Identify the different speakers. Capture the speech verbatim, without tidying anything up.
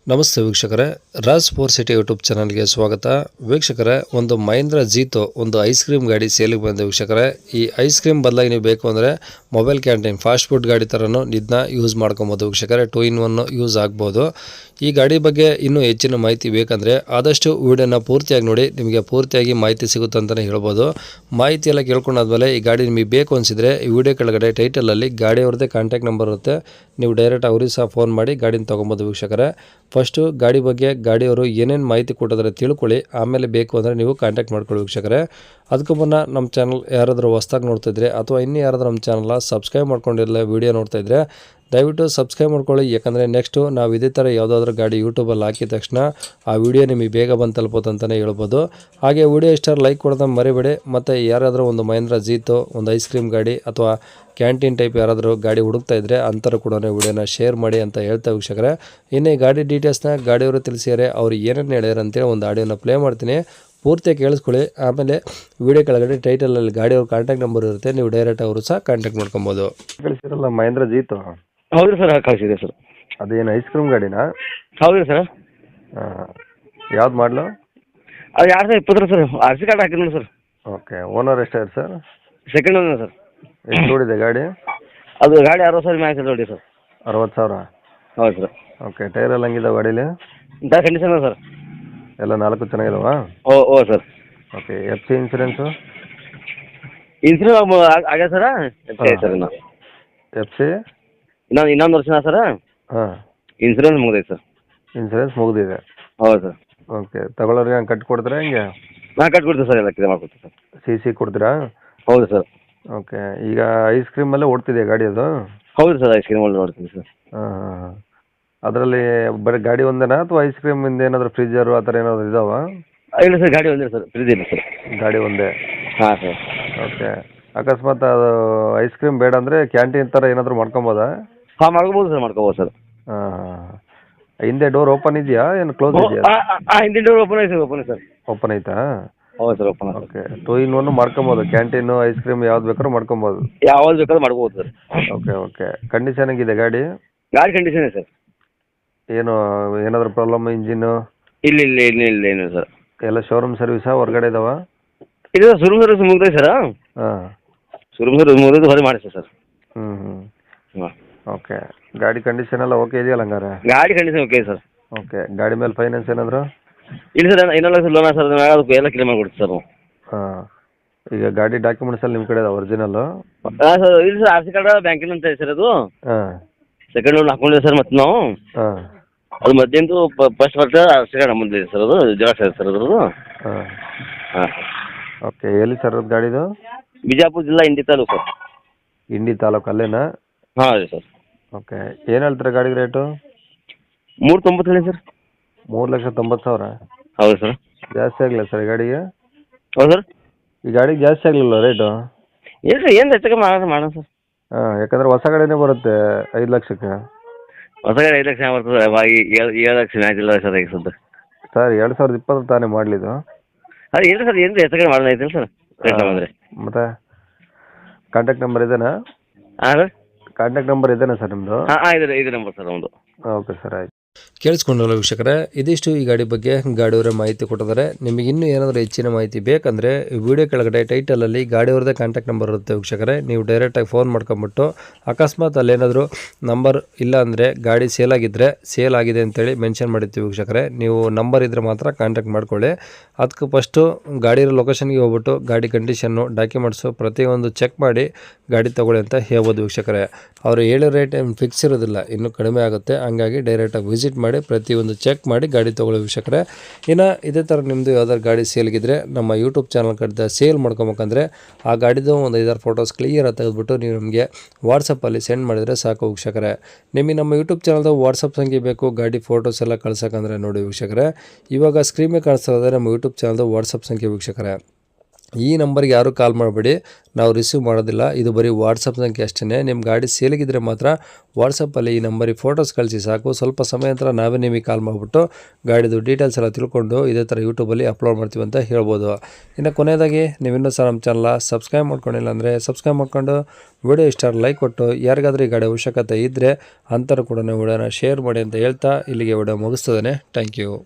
Speaker 1: ನಮಸ್ತೆ ವೀಕ್ಷಕರೇ, Raj four city YouTube ಚಾನಲ್ಗೆ ಸ್ವಾಗತ. ವೀಕ್ಷಕರೇ, ಒಂದು ಮಹೀಂದ್ರ ಜೀತೋ ಒಂದು ಐಸ್ ಕ್ರೀಮ್ ಗಾಡಿ ಸೇಲಿಗೆ ಬಂದ ವೀಕ್ಷಕರೇ. ಈ ಐಸ್ ಕ್ರೀಮ್ ಬದಲಾಗಿ ನೀವು ಬೇಕು ಅಂದರೆ ಮೊಬೈಲ್ ಕ್ಯಾಂಟೀನ್ ಫಾಸ್ಟ್ ಫುಡ್ ಗಾಡಿ ಥರನೂ ಇದನ್ನ ಯೂಸ್ ಮಾಡ್ಕೊಬೋದು ವೀಕ್ಷಕರೇ. ಟೂ ಇನ್ ಒನ್ ಯೂಸ್ ಆಗ್ಬೋದು. ಈ ಗಾಡಿ ಬಗ್ಗೆ ಇನ್ನೂ ಹೆಚ್ಚಿನ ಮಾಹಿತಿ ಬೇಕಂದರೆ ಆದಷ್ಟು ವಿಡಿಯೋನ ಪೂರ್ತಿಯಾಗಿ ನೋಡಿ, ನಿಮಗೆ ಪೂರ್ತಿಯಾಗಿ ಮಾಹಿತಿ ಸಿಗುತ್ತೆ ಅಂತಲೇ ಹೇಳ್ಬೋದು. ಮಾಹಿತಿ ಎಲ್ಲ ಕೇಳ್ಕೊಂಡಾದ್ಮೇಲೆ ಈ ಗಾಡಿ ನಿಮಗೆ ಬೇಕು ಅನಿಸಿದರೆ ಈ ವಿಡಿಯೋ ಕೆಳಗಡೆ ಟೈಟಲಲ್ಲಿ ಗಾಡಿಯವ್ರದ್ದೇ ಕಾಂಟ್ಯಾಕ್ಟ್ ನಂಬರ್ ಇರುತ್ತೆ, ನೀವು ಡೈರೆಕ್ಟ್ ಅವ್ರಿಗೆ ಸಹ ಫೋನ್ ಮಾಡಿ ಗಾಡಿನ ತೊಗೊಬೋದು ವೀಕ್ಷಕರೇ. ಫಸ್ಟು ಗಾಡಿ ಬಗ್ಗೆ ಗಾಡಿಯವರು ಏನೇನು ಮಾಹಿತಿ ಕೊಟ್ಟಿದ್ರೆ ತಿಳ್ಕೊಳ್ಳಿ, ಆಮೇಲೆ ಬೇಕು ಅಂದರೆ ನೀವು ಕಾಂಟ್ಯಾಕ್ಟ್ ಮಾಡ್ಕೊಳ್ಳಿ ವೀಕ್ಷಕರೇ. ಅದಕ್ಕೂ ಮುನ್ನ ನಮ್ಮ ಚಾನಲ್ ಯಾರಾದರೂ ಹೊಸ್ದಾಗಿ ನೋಡ್ತಾಯಿದ್ರೆ ಅಥವಾ ಇನ್ನೂ ಯಾರಾದರೂ ನಮ್ಮ ಚಾನಲ್ನ ಸಬ್ಸ್ಕ್ರೈಬ್ ಮಾಡ್ಕೊಂಡಿರಲ್ಲ ವೀಡಿಯೋ ನೋಡ್ತಾಯಿದ್ರೆ ದಯವಿಟ್ಟು ಸಬ್ಸ್ಕ್ರೈಬ್ ಮಾಡ್ಕೊಳ್ಳಿ. ಯಾಕಂದರೆ ನೆಕ್ಸ್ಟು ನಾವು ಇದೇ ಥರ ಯಾವುದಾದ್ರೂ ಗಾಡಿ ಯೂಟ್ಯೂಬಲ್ಲಿ ಹಾಕಿದ ತಕ್ಷಣ ಆ ವಿಡಿಯೋ ನಿಮಗೆ ಬೇಗ ಬಂದು ತಲುಪೋದು ಅಂತಲೇ ಹೇಳ್ಬೋದು. ಹಾಗೆ ವಿಡಿಯೋ ಇಷ್ಟ ಲೈಕ್ ಕೊಡೋದು ಮರಿಬೇಡಿ. ಮತ್ತು ಯಾರಾದರೂ ಒಂದು ಮಹೀಂದ್ರ ಜೀತೋ ಒಂದು ಐಸ್ ಕ್ರೀಮ್ ಗಾಡಿ ಅಥವಾ ಕ್ಯಾಂಟೀನ್ ಟೈಪ್ ಯಾರಾದರೂ ಗಾಡಿ ಹುಡುಕ್ತಾ ಇದ್ದರೆ ಅಂಥವ್ರು ಕೂಡ ವಿಡಿಯೋನ ಶೇರ್ ಮಾಡಿ ಅಂತ ಹೇಳ್ತಾ ವೀಕ್ಷಕರೇ. ಇನ್ನು ಈ ಗಾಡಿ ಡೀಟೇಲ್ಸ್ನ ಗಾಡಿಯವರು ತಿಳಿಸಿದ್ದಾರೆ, ಅವ್ರು ಏನೇನು ಹೇಳ್ಯಾರ ಅಂತೇಳಿ ಒಂದು ಆಡಿಯೋನ ಪ್ಲೇ ಮಾಡ್ತೀನಿ, ಪೂರ್ತಿ ಕೇಳಿಸ್ಕೊಳ್ಳಿ. ಆಮೇಲೆ ವಿಡಿಯೋ ಕೆಳಗಡೆ ಟೈಟಲಲ್ಲಿ ಗಾಡಿಯವ್ರ ಕಾಂಟ್ಯಾಕ್ಟ್ ನಂಬರ್ ಇರುತ್ತೆ, ನೀವು ಡೈರೆಕ್ಟ್ ಅವರು ಸಹ ಕಾಂಟ್ಯಾಕ್ಟ್ ಮಾಡ್ಕೊಬೋದು. ಕಳಿಸಿರಲ್ಲ ಮಹೀಂದ್ರ ಜೀತೋ?
Speaker 2: ಹೌದು ಸರ್, ಕಳಿಸಿದೆ ಸರ್.
Speaker 1: ಅದೇನು ಐಸ್ ಕ್ರೀಮ್ ಗಾಡಿನಾ?
Speaker 2: ಹೌದು ಸರ್.
Speaker 1: ಹಾಂ, ಯಾವ್ದು ಮಾಡಲು?
Speaker 2: ಅದು ಎರಡು ಸಾವಿರ ಇಪ್ಪತ್ತರ ಸರ್, ಆರ್ ಸಿ ಕಾರ್ಡ್ ಹಾಕಿದ್ನಲ್ಲ ಸರ್.
Speaker 1: ಓಕೆ, ಓನರ್ ಎಷ್ಟಾಯ್ತು ಸರ್?
Speaker 2: Second owner sir.
Speaker 1: ಎಷ್ಟು ಓಡಿದೆ ಗಾಡಿ?
Speaker 2: ಅದು ಗಾಡಿ ಅರವತ್ತು ಸಾವಿರ ಮ್ಯಾಚ್ ನೋಡಿ ಸರ್.
Speaker 1: ಅರವತ್ತು ಸಾವಿರ?
Speaker 2: ಹೌದು ಸರ್.
Speaker 1: ಓಕೆ, ಟೈರ್ ಎಲ್ಲ ಹಂಗಿದಾವೆ ಗಾಡೀಲಿ?
Speaker 2: ಇಂಥ ಕಂಡೀಷನ್ ಸರ್.
Speaker 1: ಎಲ್ಲ ನಾಲ್ಕು ಚೆನ್ನಾಗಿದಾವಾ?
Speaker 2: ಓ ಓ sir.
Speaker 1: Okay, F C insurance?
Speaker 2: Insurance ಆಗ್ಯದ ಸರ್. ಸರ್ ಇನ್ನು
Speaker 1: ಎಫ್ ಸಿ
Speaker 2: ಇನ್ನೊಂದು ಇನ್ನೊಂದು ವರ್ಷ ಸರ್.
Speaker 1: ಹಾಂ,
Speaker 2: ಇನ್ಸೂರೆನ್ಸ್ ಮುಗಿದೈತೆ ಸರ್.
Speaker 1: ಇನ್ಸೂರೆನ್ಸ್ ಮುಗಿದಿದೆ?
Speaker 2: ಹೌದು ಸರ್.
Speaker 1: ಓಕೆ, ತಗೊಳ್ಳೋರಿಗೆ ಹಂಗೆ ಕಟ್ಟಿ ಕೊಡ್ತೀರಾ ಹೆಂಗೆ?
Speaker 2: ಹಾಂ, ಕಟ್ಕೊಡ್ತೀವಿ ಸರ್, ಎಲ್ಲ ಕ್ಲಿಯರ್ ಮಾಡ್ಕೊಡ್ತೀವಿ ಸರ್.
Speaker 1: ಸಿ ಸಿ ಕೊಡ್ತೀರಾ?
Speaker 2: ಹೌದು ಸರ್.
Speaker 1: ಓಕೆ, ಈಗ ಐಸ್ ಕ್ರೀಮಲ್ಲೇ ಓಡ್ತಿದೆಯಾ ಗಾಡಿ ಅದು?
Speaker 2: ಹೌದು ಸರ್, ಐಸ್ ಕ್ರೀಮ್ ಒಳ್ಳೆ ನೋಡ್ತೀನಿ ಸರ್.
Speaker 1: ಹಾಂ ಹಾಂ ಹಾಂ. ಅದರಲ್ಲಿ ಬರೀ ಗಾಡಿ ಒಂದೇನಾ ಅಥವಾ ಐಸ್ ಕ್ರೀಮಿಂದ ಏನಾದರೂ ಫ್ರಿಜ್ಜರು ಆ ಥರ ಏನಾದರೂ ಇದಾವಾ?
Speaker 2: ಇಲ್ಲ ಸರ್, ಗಾಡಿ ಒಂದೇ ಸರ್, ಫ್ರಿಜ್ ಇಲ್ಲ ಸರ್.
Speaker 1: ಗಾಡಿ ಒಂದೇ?
Speaker 2: ಹಾಂ ಸರ್.
Speaker 1: ಓಕೆ, ಅಕಸ್ಮಾತ್ ಅದು ಐಸ್ ಕ್ರೀಮ್ ಬೇಡ ಅಂದರೆ ಕ್ಯಾಂಟೀನ್ ಥರ ಏನಾದರೂ ಮಾಡ್ಕೊಬೋದಾ?
Speaker 2: ಹಾಂ, ಮಾಡ್ಕೋಬೋದು ಸರ್, ಮಾಡ್ಕೋಬೋದು ಸರ್.
Speaker 1: ಹಾಂ ಹಾಂ. ಹಿಂದೆ ಡೋರ್ ಓಪನ್ ಇದೆಯಾ ಏನು ಕ್ಲೋಸ್ ಇದೆಯಾ?
Speaker 2: ಹಾಂ, ಹಿಂದಿನ ಡೋರ್ ಓಪನ್ ಐತೆ ಸರ್, ಓಪನ್ ಸರ್.
Speaker 1: ಓಪನ್ ಐತಾ?
Speaker 2: ಹೌದು sir, open.
Speaker 1: Okay, two in one ಮಾಡ್ಕೊಬೋದು, ಕ್ಯಾಂಟೀನು ಐಸ್ ಕ್ರೀಮ್ ಯಾವ್ದು ಬೇಕಾದ್ರೂ ಮಾಡ್ಕೊಬೋದು?
Speaker 2: ಯಾವ್ದು ಬೇಕಾದ್ರೂ ಮಾಡ್ಬೋದು ಸರ್.
Speaker 1: Okay okay. ಕಂಡೀಷನ್ ಹೆಂಗಿದೆ ಗಾಡಿ?
Speaker 2: ಗಾಡಿ ಕಂಡೀಷನ್ ಇದೆ ಸರ್.
Speaker 1: ಏನು ಏನಾದರೂ ಪ್ರಾಬ್ಲಮ್ ಇಂಜಿನ್ನು?
Speaker 2: ಇಲ್ಲ ಇಲ್ಲ ಇಲ್ಲ ಇಲ್ಲ ಏನು ಸರ್.
Speaker 1: ಎಲ್ಲ ಶೋರೂಮ್ ಸರ್ವಿಸಾ ಹೊರಗಡೆ ಇದಾವ?
Speaker 2: ಇದು ಶೋರೂಮ್ ಸರ್ವಿಸ್ ಮುಗ್ದೈತೆ ಸರ್.
Speaker 1: ಹಾಂ,
Speaker 2: ಶೋರೂಮ್ ಸರ್ವಿಸ್ ಮುಗಿದು ಹೊರಗೆ ಮಾಡಿ ಸರ್.
Speaker 1: ಹ್ಞೂ ಹ್ಞೂ.
Speaker 2: ಹಾಂ,
Speaker 1: ಓಕೆ, ಗಾಡಿ ಕಂಡೀಷನ್ ಎಲ್ಲ ಓಕೆ ಇದೆಯಲ್ಲ ಹಂಗಾರೆ?
Speaker 2: ಗಾಡಿ ಕಂಡೀಷನ್ ಓಕೆ ಸರ್.
Speaker 1: ಓಕೆ, ಗಾಡಿ ಮೇಲೆ ಫೈನಾನ್ಸ್ ಏನಾದರೂ?
Speaker 2: ಇಲ್ಲ ಸರ್, ಇನ್ನೊಂದು ಲಕ್ಷ ಲೋನ್ ಸರ್, ಅದಕ್ಕೆ ಎಲ್ಲ ಕ್ಲಿಯರ್ ಮಾಡಿಕೊಡ್ತೀವಿ ಸರ್ ನಾವು.
Speaker 1: ಹಾಂ, ಈಗ ಗಾಡಿ ಡಾಕ್ಯುಮೆಂಟ್ಸ್ ಎಲ್ಲ ನಿಮ್ಮ ಕಡೆ ಇದಾವೆ ಒರಿಜಿನಲ್ಲು?
Speaker 2: ಹಾಂ ಸರ್, ಇಲ್ಲ ಸರ್, ಆರ್ ಸಿ ಕಾರ್ಡ್ ಬ್ಯಾಂಕಿನ ಅಂತ ಸರ್ ಅದು.
Speaker 1: ಹಾಂ,
Speaker 2: ಸೆಕೆಂಡ್ ಲೋನ್ ಹಾಕೊಂಡಿದೆ ಸರ್ ಮತ್ತೆ ನಾವು.
Speaker 1: ಹಾಂ,
Speaker 2: ಅದು ಮಧ್ಯಾಹ್ನದು ಫಸ್ಟ್ ಬರ್ತ ಆರ್ ಸಿ ಕಾರ್ಡ್ ನಮ್ಮದು ಸರ್, ಅದು ಜೆರಾಕ್ಸ್ ಇದೆ ಸರ್ ಅದ್ರದ್ದು.
Speaker 1: ಹಾಂ
Speaker 2: ಹಾಂ.
Speaker 1: ಓಕೆ, ಎಲ್ಲಿ ಸರ್ ಅದು ಗಾಡಿದು?
Speaker 2: ಬಿಜಾಪುರ ಜಿಲ್ಲಾ ಇಂಡಿ ತಾಲೂಕು ಸರ್.
Speaker 1: ಇಂಡಿ ತಾಲೂಕು ಅಲ್ಲೇನಾ?
Speaker 2: ಹಾಂ ರೀ ಸರ್.
Speaker 1: ಓಕೆ, ಏನು ಹೇಳ್ತೀರಾ ಗಾಡಿಗೆ ರೇಟು?
Speaker 2: ಮೂರು ತೊಂಬತ್ತು ಹೇಳಿ ಸರ್.
Speaker 1: ಮೂರು ಲಕ್ಷ ತೊಂಬತ್ತು ಸಾವಿರ?
Speaker 2: ಹೌದು ಸರ್.
Speaker 1: ಜಾಸ್ತಿ ಆಗಲಿಲ್ಲ ಸರ್ ಈ ಗಾಡಿಗೆ?
Speaker 2: ಹೌದು ಸರ್.
Speaker 1: ಈ ಗಾಡಿಗೆ ಜಾಸ್ತಿ ಆಗಲಿಲ್ಲ ರೇಟು?
Speaker 2: ಇಲ್ಲ ಸರ್, ಏನು ಹೆಚ್ಚಿಗೆ ಮಾಡೋಣ ಮಾಡೋಣ ಸರ್.
Speaker 1: ಹಾಂ, ಯಾಕಂದರೆ ಹೊಸ ಗಾಡಿನೇ ಬರುತ್ತೆ ಐದು ಲಕ್ಷಕ್ಕೆ.
Speaker 2: ಹೊಸ ಗಾಡಿ ಐದು ಲಕ್ಷ ಬರ್ತದೆ, ಏಳು ಏಳು ಲಕ್ಷ ಮ್ಯಾಚ್ ಇಲ್ಲ ಸರ್ ಈಗ ಸದ್ಯ.
Speaker 1: ಸರ್ ಎರಡು ಸಾವಿರದ ಇಪ್ಪತ್ತು ತಾನೇ ಮಾಡಲಿದ್ದು?
Speaker 2: ಅದು ಇಲ್ಲ ಸರ್, ಏನು ಹೆಚ್ಚಿಗೆ ಮಾಡೋಣ ಐತಿಲ್ಲ ಸರ್ ರೇಟ್ ಅಂದರೆ.
Speaker 1: ಮತ್ತು ಕಾಂಟ್ಯಾಕ್ಟ್ ನಂಬರ್ ಇದೇನಾ?
Speaker 2: ಹಾಂ ಸರ್,
Speaker 1: ಕಾಂಟ್ಯಾಕ್ಟ್ ನಂಬರ್ ಇದೇನಾ ಸರ್ ನಿಮ್ಮದು?
Speaker 2: ಹಾಂ ಹಾಂ ಇದೆ ಇದೆ ನಂಬರ್ ಸರ್ ಒಂದು.
Speaker 1: ಓಕೆ ಸರ್, ಆಯ್ತು. ಕೇಳಿಸ್ಕೊಂಡಲ್ಲ ವೀಕ್ಷಕರೇ, ಇದಿಷ್ಟು ಈ ಗಾಡಿ ಬಗ್ಗೆ ಗಾಡಿಯವರೇ ಮಾಹಿತಿ ಕೊಟ್ಟಿದ್ದಾರೆ. ನಿಮಗೆ ಇನ್ನೂ ಏನಾದರೂ ಹೆಚ್ಚಿನ ಮಾಹಿತಿ ಬೇಕಂದರೆ ವಿಡಿಯೋ ಕೆಳಗಡೆ ಟೈಟಲಲ್ಲಿ ಗಾಡಿಯವ್ರದ್ದೇ ಕಾಂಟ್ಯಾಕ್ಟ್ ನಂಬರ್ ಇರುತ್ತೆ ವೀಕ್ಷಕರೇ, ನೀವು ಡೈರೆಕ್ಟಾಗಿ ಫೋನ್ ಮಾಡ್ಕೊಂಬಿಟ್ಟು ಅಕಸ್ಮಾತ್ ಅಲ್ಲೇನಾದರೂ ನಂಬರ್ ಇಲ್ಲ ಅಂದರೆ ಗಾಡಿ ಸೇಲ್ ಆಗಿದ್ದರೆ ಸೇಲ್ ಆಗಿದೆ ಅಂತೇಳಿ ಮೆನ್ಷನ್ ಮಾಡಿರ್ತೀವಿ ವೀಕ್ಷಕರೇ, ನೀವು ನಂಬರ್ ಇದ್ದರೆ ಮಾತ್ರ ಕಾಂಟ್ಯಾಕ್ಟ್ ಮಾಡ್ಕೊಳ್ಳಿ. ಅದಕ್ಕೆ ಫಸ್ಟು ಗಾಡಿ ಇರೋ ಲೊಕೇಶನ್ಗೆ ಹೋಗ್ಬಿಟ್ಟು ಗಾಡಿ ಕಂಡೀಷನ್ನು ಡಾಕ್ಯುಮೆಂಟ್ಸು ಪ್ರತಿಯೊಂದು ಚೆಕ್ ಮಾಡಿ ಗಾಡಿ ತೊಗೊಳ್ಳಿ ಅಂತ ಹೇಳ್ಬೋದು ವೀಕ್ಷಕರೇ. ಅವರು ಹೇಳೋ ರೇಟ್ ಏನು ಫಿಕ್ಸ್ ಇರೋದಿಲ್ಲ, ಇನ್ನೂ ಕಡಿಮೆ ಆಗುತ್ತೆ. ಹಂಗಾಗಿ ಡೈರೆಕ್ಟಾಗಿ ವಿಸಿಟ್ ಮಾಡಿ ಪ್ರತಿಯೊಂದು ಚೆಕ್ ಮಾಡಿ ಗಾಡಿ ತೊಗೊಳ್ಳೋ ವೀಕ್ಷಕರೇ. ಇನ್ನು ಇದೇ ಥರ ನಿಮ್ಮದು ಯಾವ್ದಾದ್ರು ಗಾಡಿ ಸೇಲ್ಗಿದ್ರೆ ನಮ್ಮ ಯೂಟ್ಯೂಬ್ ಚಾನಲ್ ಕಡೆ ಸೇಲ್ ಮಾಡ್ಕೊಬೇಕಂದ್ರೆ ಆ ಗಾಡಿದು ಒಂದು ಐದಾರು ಫೋಟೋಸ್ ಕ್ಲಿಯರಾಗಿ ತೆಗೆದುಬಿಟ್ಟು ನೀವು ನಮಗೆ ವಾಟ್ಸಪ್ಪಲ್ಲಿ ಸೆಂಡ್ ಮಾಡಿದರೆ ಸಾಕು ವೀಕ್ಷಕರೇ. ನಿಮಗೆ ನಮ್ಮ ಯೂಟ್ಯೂಬ್ ಚಾನಲ್ದು ವಾಟ್ಸಪ್ ಸಂಖ್ಯೆ ಬೇಕು ಗಾಡಿ ಫೋಟೋಸ್ ಎಲ್ಲ ಕಳ್ಸೋಕ್ಕಂದ್ರೆ ನೋಡಿ ವೀಕ್ಷಕರೇ, ಇವಾಗ ಸ್ಕ್ರೀನ್ ಮೇಲೆ ಕಾಣಿಸ್ತಾ ಇರೋದೇ ನಮ್ಮ ಯೂಟ್ಯೂಬ್ ಚಾನಲ್ದು ವಾಟ್ಸಪ್ ಸಂಖ್ಯೆ ವೀಕ್ಷಕರೇ. ಈ ನಂಬರ್ಗೆ ಯಾರು ಕಾಲ್ ಮಾಡಬೇಡಿ, ನಾವು ರಿಸೀವ್ ಮಾಡೋದಿಲ್ಲ. ಇದು ಬರೀ ವಾಟ್ಸಪ್ ಸಂಖ್ಯೆ ಅಷ್ಟೇ. ನಿಮ್ಮ ಗಾಡಿ ಸೇಲಿಗಿದ್ರೆ ಮಾತ್ರ ವಾಟ್ಸಪ್ಪಲ್ಲಿ ಈ ನಂಬರಿಗೆ ಫೋಟೋಸ್ ಕಳಿಸಿ ಸಾಕು. ಸ್ವಲ್ಪ ಸಮಯ ನಂತರ ನಾವೇ ನಿಮಗೆ ಕಾಲ್ ಮಾಡಿಬಿಟ್ಟು ಗಾಡಿದು ಡೀಟೇಲ್ಸ್ ಎಲ್ಲ ತಿಳ್ಕೊಂಡು ಇದೇ ಥರ ಯೂಟ್ಯೂಬಲ್ಲಿ ಅಪ್ಲೋಡ್ ಮಾಡ್ತೀವಿ ಅಂತ ಹೇಳ್ಬೋದು. ಇನ್ನು ಕೊನೆಯದಾಗಿ ನೀವಿನ್ನೂ ಸಹ ನಮ್ಮ ಚಾನಲ್ನ ಸಬ್ಸ್ಕ್ರೈಬ್ ಮಾಡ್ಕೊಂಡಿಲ್ಲ ಅಂದರೆ ಸಬ್ಸ್ಕ್ರೈಬ್ ಮಾಡ್ಕೊಂಡು ವಿಡಿಯೋ ಇಷ್ಟ ಲೈಕ್ ಕೊಟ್ಟು ಯಾರಿಗಾದ್ರೂ ಈ ಗಾಡಿ ಅವಶ್ಯಕತೆ ಇದ್ದರೆ ಅಂಥವ್ರು ಕೂಡ ವಿಡಿಯೋನ ಶೇರ್ ಮಾಡಿ ಅಂತ ಹೇಳ್ತಾ ಇಲ್ಲಿಗೆ ವಿಡಿಯೋ ಮುಗಿಸ್ತದೆ. Thank you.